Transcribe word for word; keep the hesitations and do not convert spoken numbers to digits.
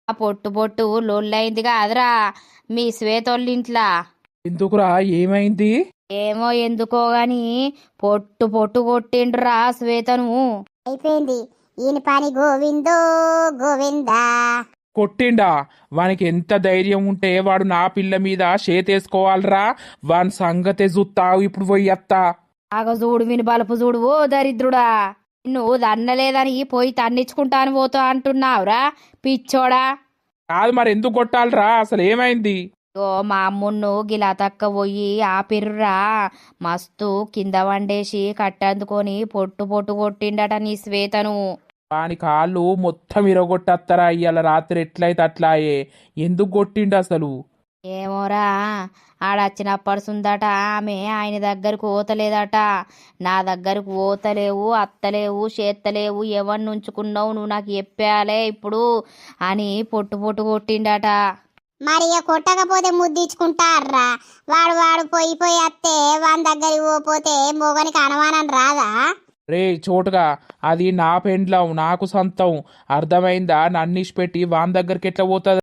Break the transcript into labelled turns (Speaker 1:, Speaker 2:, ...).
Speaker 1: ఆ పొట్టు పొట్టు లొల్లైంది కాదురా మీ శ్వేతోళ్ళింట్లా.
Speaker 2: ఎందుకురా ఏమైంది?
Speaker 1: ఏమో ఎందుకో గాని పొట్టు పొట్టు కొట్టిండ్రా శ్వేతను.
Speaker 3: అయిపోయింది ఈయన పని. గోవిందో గోవిందా.
Speaker 2: కొట్టిండా? వానికి ఎంత ధైర్యం ఉంటే వాడు నా పిల్ల మీద చేతేసుకోవాలరా? వాని సంగతే చూస్తావు ఇప్పుడు పోయి అత్తా.
Speaker 1: ఆగ చూడు విని బలుపు చూడు ఓ దరిద్రుడా. నువ్వు దన్నలేదని పోయి తన్నిచ్చుకుంటాను పోతా అంటున్నావురా పిచ్చోడా.
Speaker 2: కాదు మరి ఎందుకు కొట్టాలరా? అసలు ఏమైంది?
Speaker 1: ఓ మా అమ్మున్ను గిలా తక్క పోయి ఆపిర్రురా. మస్తు కింద వండేసి కట్టందుకొని పొట్టు పొట్టు కొట్టిండట నీ శ్వేతను.
Speaker 2: వాని కాళ్ళు మొత్తం ఇరగొట్టత్తరా ఇయ్యాల రాత్రి ఎట్లయితే అట్లాయే. ఎందుకు కొట్టిండు అసలు?
Speaker 1: ఏమోరా ఆడచ్చినప్పటి సుందట ఆమె ఆయన దగ్గరకు ఓతలేదట. నా దగ్గరకు ఓతలేవు అత్తలేవు చేత్తలేవు ఎవరిని ఉంచుకున్నావు నువ్వు నాకు చెప్పాలే ఇప్పుడు అని పొట్టు పొట్టు కొట్టిండట.
Speaker 3: మరి ఇక కొట్టకపోతే ముద్దిచ్చుకుంటారా? వాడు వాడు పోయి పోయి అత్తే వాని దగ్గరికి పోతే మొగనికి అనుమానం రాదా?
Speaker 2: రే చోటుగా, అది నా పెండ్లం నాకు సొంతం, అర్థమైందా? నన్నిష్ పెట్టి వాని దగ్గరికి ఎట్లా పోతుంది?